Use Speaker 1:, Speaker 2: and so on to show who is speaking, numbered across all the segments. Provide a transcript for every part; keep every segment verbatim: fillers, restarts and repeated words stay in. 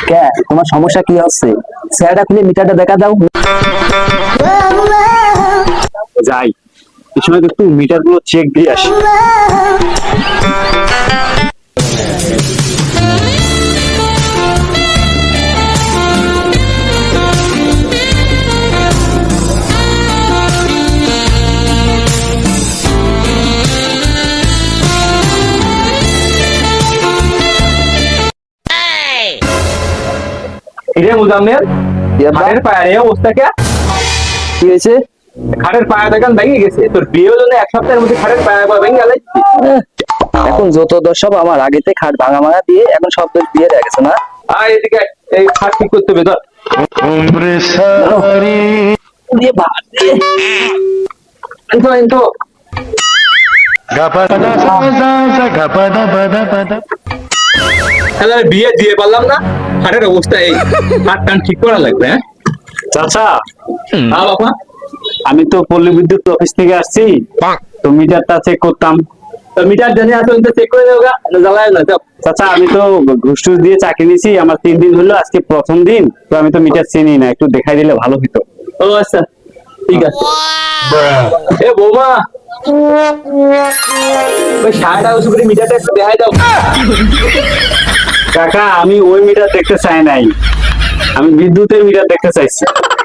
Speaker 1: কে তোমার সমস্যা কি হচ্ছে? স্যারটা খুলে মিটারটা দেখা দাও।
Speaker 2: যাই এই সময় একটু মিটার গুলো চেক দিয়ে আসি।
Speaker 3: কিরে মুজাম্মেল, খাটের পায়ের এই অবস্থা কে?
Speaker 1: কি হয়েছে?
Speaker 3: খাটের পায়া দেখান ভেঙে গেছে। তোর বিয়ে হলো না এক সপ্তাহের মধ্যে খাটের পায়া ভেঙে গেল।
Speaker 1: এখন যত দোষ সব আমার, আগেতে খাট ভাঙা ভাঙা দিয়ে এখন সব দোষ দিয়ে দেখা গেছে না।
Speaker 3: আয় এদিকে, এই খাট ঠিক করতে হবে। ধর
Speaker 1: দিয়ে বাদ দিয়ে।
Speaker 3: এনতো এনতো তাহলে বিয়ে দিয়ে পারলাম না, খাটের অবস্থা এই। খাট টান ঠিক করা লাগবে। হ্যাঁ
Speaker 2: চাচা,
Speaker 3: হ্যাঁ বাবা,
Speaker 2: আমি তো পল্লী বিদ্যুৎ অফিস থেকে আসছি, তো মিটারটা চেক করতাম।
Speaker 3: তো মিটার জানি আসো, চেক করে দেবো, জ্বালায় না।
Speaker 2: চাচা আমি তো ঘুষ টুস দিয়ে চাকরি নিয়েছি, আমার তিন দিন হলো, আজকে প্রথম দিন, তো আমি তো মিটার চিনি না, একটু দেখাই দিলে ভালো হতো।
Speaker 3: ও আচ্ছা ঠিক আছে। এ বৌমা, ওই সাড়ে উঁচু করে মিটারটা একটু দেখাই দাও।
Speaker 2: কাকা আমি ওই মিটার দেখতে চাই নাই, আমি বিদ্যুতের মিটার দেখতে চাইছি।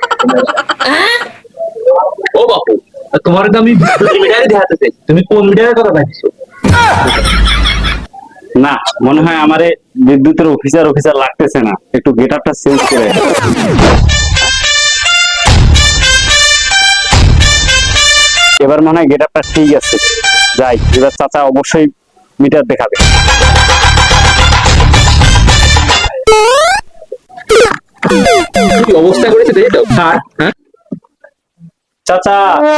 Speaker 3: ও বাপু, তোমার তো আমি মিটারে দেখাতে চাই, তুমি কোন মিটারের কথা ভাবছো?
Speaker 2: না, মনে হয় আমারে বিদ্যুতের অফিসার অফিসার লাগতেছে না, একটু গেট আপটা চেঞ্জ করে। এবার মনে হয় গেট আপটা ঠিক আছে। যাই, এবার চাচা অবশ্যই মিটার দেখাবে।
Speaker 3: কি অবস্থা করেছে দেখে দাও। কার? হ্যাঁ
Speaker 2: চাচা,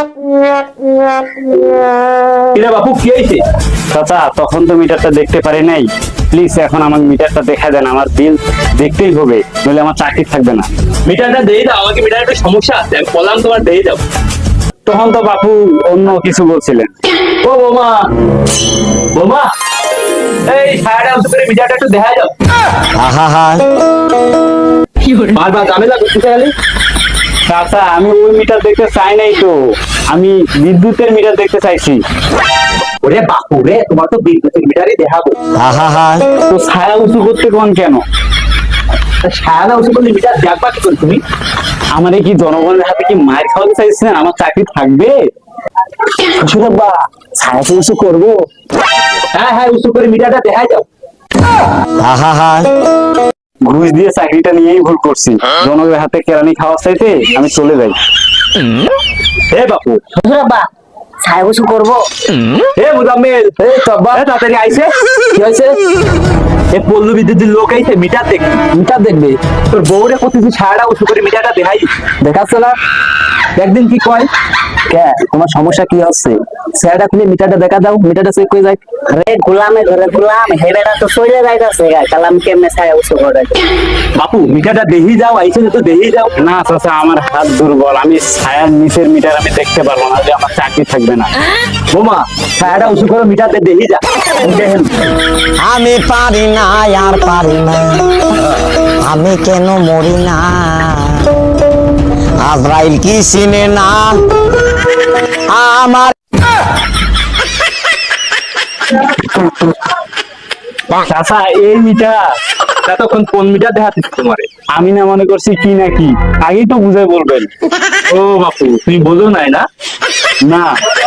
Speaker 3: কিরে বাপু, কি হয়েছে?
Speaker 2: চাচা তখন তো মিটারটা দেখতে পারি নাই, প্লিজ এখন আমার মিটারটা দেখা দেন, আমার বিল দেখতেই হবে, নইলে আমার চাকরি থাকবে না।
Speaker 3: মিটারটা দিয়ে দাও আমাকে, মিটার একটা সমস্যা আছে, আমি বললাম তোমার দিয়ে দাও।
Speaker 2: তখন তো বাপু অন্য কিছু বলছিলেন।
Speaker 3: ও বোমা, বোমা, এই সাড়ে উঁচু করে মিটারটা একটু দেখা দাও। বারবার ঝামেলা করতে গেলে।
Speaker 2: চাচা আমি ওই মিটার দেখতে চাই নাই তো, আমি বিদ্যুতের মিটার দেখতে চাইছি।
Speaker 3: ওরে বাপু রে, তোমার তো বিদ্যুতের মিটারই দেখাবো।
Speaker 2: তো ছায়া উঁচু করতে কোন কেন?
Speaker 3: সাড়ে উঁচু করলে মিটার দেখবা কি করে তুমি?
Speaker 2: আমার কি জনগণের হাতে কি মায়ের খাওয়াতে চাইছেন? আমার চাকরি থাকবে?
Speaker 1: শ্বশুরাব্বা, ছায়া উঁচু করবো।
Speaker 3: হ্যাঁ হ্যাঁ, উঁচু করে মিটারটা দেখাই দাও।
Speaker 2: ঘুষ দিয়ে চাকরিটা নিয়েই ভুল করছি, জনগণের হাতে কেরানি খাওয়া চাইতে আমি চলে যাই।
Speaker 3: হে বাপু,
Speaker 1: শ্বশুরাব্বা, ছায়া উঁচু করবো।
Speaker 3: হে মুজাম্মেল, হে তব্বা, হে তাড়াতাড়ি আইছে।
Speaker 1: কি হয়েছে?
Speaker 3: এ পল্লু বিদ্যুতের লোক আইছে মিটার দেখবে।
Speaker 1: মিটার দেখবে?
Speaker 3: তোর বউরে করতেছি সারাটা উঁচু করে মিটারটা দেখাই,
Speaker 1: দেখাচ্ছে না।
Speaker 3: একদিন কি কয়?
Speaker 1: কে তোমার সমস্যা কি হচ্ছে? স্যারটা খুলে মিটারটা দেখা দাও, মিটারটা চেক করে যাই।
Speaker 4: আরে গোলামে ঘরে গোলাম হেবেটা তো চলে যাইতাছে গা, কালাম কেমনে ছায়া উঁচু করে?
Speaker 3: বাপু মিটারটা দেহি যাও, আইছে তো দেহি যাও।
Speaker 2: না চাচা, আমার হাত দুর্বল, আমি ছায়ার নিচের মিটার আমি দেখতে পারবো না, যে আমার চাকরি থাকবে না।
Speaker 3: বোমা, সারাটা উঁচু করে মিটারটা দেহি যা। দেখেন
Speaker 4: আমি পারি না আর পারি না, আমি কেন মরি না? আজরাইল কি চিনে না আমার?
Speaker 2: চাচা এই মিটার
Speaker 3: এতক্ষণ কোন মিটার দেখাচ্ছিস তোমারে?
Speaker 2: আমি না মনে করছি কি নাকি, আগেই তো বুঝে বলবেন।
Speaker 3: ও বাপু, তুমি বোঝো নাই না?
Speaker 2: না